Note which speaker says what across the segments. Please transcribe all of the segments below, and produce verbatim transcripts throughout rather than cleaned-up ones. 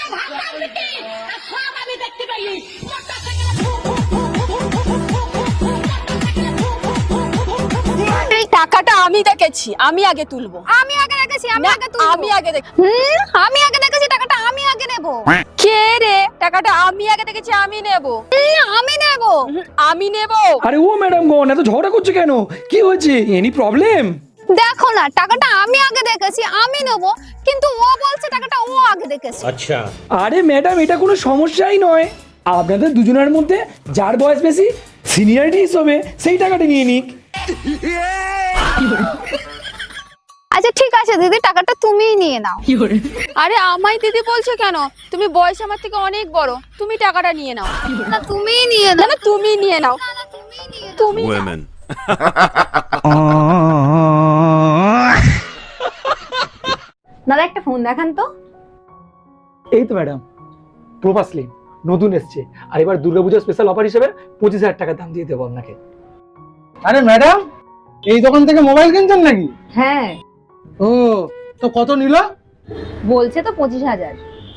Speaker 1: টাকাটা আমি দেখেছি, আমি আগে তুলবো।
Speaker 2: আমি আগে দেখেছি, আমি আগে তুলবো।
Speaker 1: আমি আগে দেখি।
Speaker 2: হুম, আমি আগে দেখেছি, টাকাটা আমি আগে নেব।
Speaker 1: কে রে? টাকাটা আমি আগে দেখেছি, আমি নেব।
Speaker 2: আমি নেব,
Speaker 1: আমি নেব।
Speaker 3: আরে ও ম্যাডাম গন এত ঝগড়া করছো কেন? কি হয়েছে? Any problem?
Speaker 2: দেখো না, টাকাটা আমি আগে দেখেছি, আমি নেব, কিন্তু ও বলছে টাকাটা ও আগে দেখেছে।
Speaker 4: আচ্ছা।
Speaker 3: আরে ম্যাডাম এটা কোনো সমস্যাই নয়, আপনাদের দুজনের মধ্যে যার বয়স বেশি সিনিয়রিটি হিসেবে সেই টাকাটা নিয়ে নিক।
Speaker 2: আচ্ছা ঠিক আছে দিদি, টাকাটা তুমিই নিয়ে নাও।
Speaker 1: আরে আমায় দিদি বলছো কেন? তুমি বয়স আমার থেকে অনেক বড়, তুমি টাকাটা নিয়ে নাও।
Speaker 2: না তুমিই নিয়ে
Speaker 1: না
Speaker 2: নাও।
Speaker 1: না তুমি নিয়ে নাও,
Speaker 2: না, তুমিই নিয়ে নাও।
Speaker 1: তুমি
Speaker 5: Women.
Speaker 2: দাদা একটা ফোন দেখান তো।
Speaker 3: এই তো ম্যাডাম প্রভাসলি নতুন এসছে, আর এবার দুর্গাপূজার স্পেশাল অফার হিসেবে পঁচিশ হাজার টাকা দাম দিয়ে দেবো আপনাকে।
Speaker 6: আরে ম্যাডাম, এই দোকান থেকে মোবাইল কিনছেন নাকি?
Speaker 2: হ্যাঁ,
Speaker 6: ও তো কত নিল?
Speaker 2: বলছে তো পঁচিশ হাজার।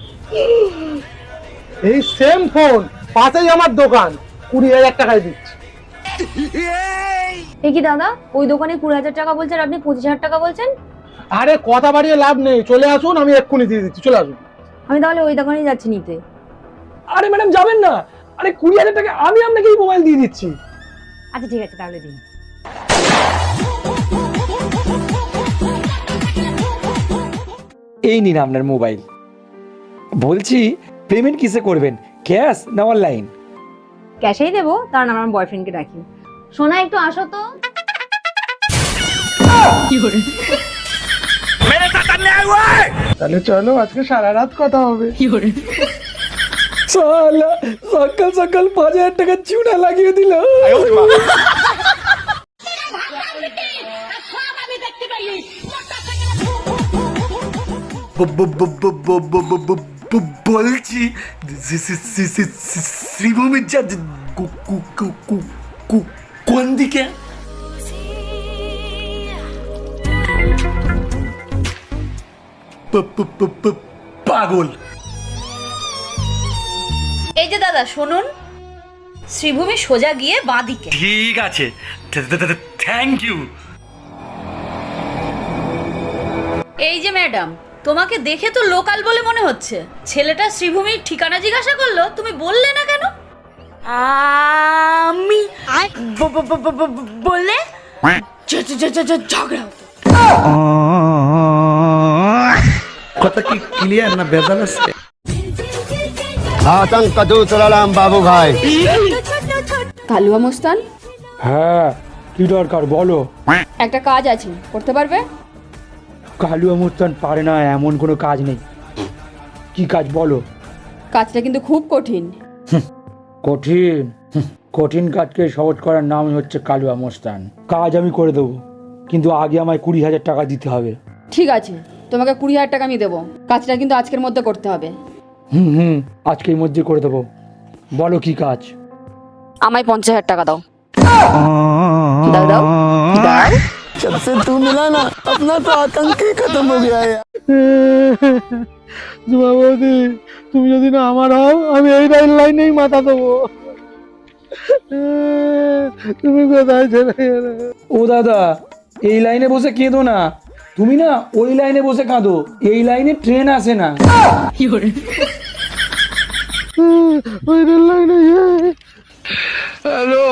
Speaker 6: এই সেম ফোন পাশেই আমার দোকান, কুড়ি হাজার টাকায় দিচ্ছি।
Speaker 2: এ কি দাদা, ওই দোকানে কুড়ি হাজার টাকা বলছেন, আপনি পঁচিশ হাজার টাকা বলছেন?
Speaker 6: আরে কথা বাড়িয়ে লাভ নেই, চলে আসুন, আমি এক্ষুনি দিয়ে দিচ্ছি, চলে আসুন।
Speaker 2: আমি তাহলে ওই দোকানেই যাচ্ছি নিতে।
Speaker 3: আরে ম্যাডাম যাবেন না, আরে কুড়ি হাজার টাকা আমি আপনাকে এই মোবাইল দিয়ে দিচ্ছি।
Speaker 2: আচ্ছা ঠিক আছে, তাহলে দিন।
Speaker 3: এই নিন আপনার মোবাইল। বলছি পেমেন্ট কিসে করবেন, ক্যাশ না অনলাইন?
Speaker 2: ক্যাশেই দেবো, কারণ আমার বয়ফ্রেন্ডকে ডাকি। সোনা একটু আসো তো।
Speaker 6: তাহলে চলো আজকে সারা রাত কথা হবে।
Speaker 3: সালা সকাল সকাল পাঁচ হাজার টাকা চুনা লাগিয়ে দিল।
Speaker 5: বলছি শ্রীভূমির যা কোন দিকে? পাগল।
Speaker 7: এই যে দাদা শুনুন, শ্রীভূমি সোজা গিয়ে বাঁদিকে।
Speaker 5: ঠিক আছে, থ্যাংক ইউ।
Speaker 7: এই যে ম্যাডাম, তোমাকে দেখে তো লোকাল বলে মনে হচ্ছে। ছেলেটা শ্রীভূমির ঠিকানা জিজ্ঞাসা করলো, তুমি বললে না কেন? আমি বললে ঝগড়া হতো।
Speaker 4: কথা কি ক্লিয়ার না ভেজাল আছে?
Speaker 8: आतंक का दूसरा नाम बाबू भाई।
Speaker 1: কালুয়া মোস্তান,
Speaker 3: হ্যাঁ কি দরকার বলো।
Speaker 1: একটা কাজ আছে, করতে পারবে?
Speaker 3: কালু আমস্তান পারে না এমন কোনো কাজ নেই। কি কাজ বলো?
Speaker 1: কাজটা কিন্তু খুব কঠিন।
Speaker 3: কঠিন? হুঁ, কঠিন কাজকে সহজ করার নাম হচ্ছে কালু আমস্তান। কাজ আমি করে দেবো, কিন্তু আগে আমায় কুড়ি হাজার টাকা দিতে হবে।
Speaker 1: ঠিক আছে, তোমাকে কুড়ি হাজার টাকা আমি দেবো, কাজটা কিন্তু আজকের মধ্যে করতে হবে।
Speaker 3: হুম হুম আজকের মধ্যে করে দেবো। বলো কি কাজ?
Speaker 1: আমায় পঞ্চাশ হাজার টাকা দাও। দাও দাও দাও।
Speaker 8: जब से तू मिला ना, अपना तो आतंक ही खत्म हो गया है।
Speaker 6: বৌদি, তুমি যদি না আমার হও, আমি এই রেল লাইনেই মাথা দেবো। তুমি কোথায় চলে গেলে?
Speaker 3: ও দাদা, এই লাইনে বসে কেঁদো না, তুমি না ওই লাইনে বসে কাঁদো, এই লাইনে ট্রেন আসে না।
Speaker 6: ওই রেল লাইনে। হ্যালো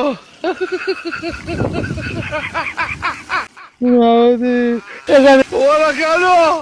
Speaker 6: বৌদি, এখানে ওরা কেন?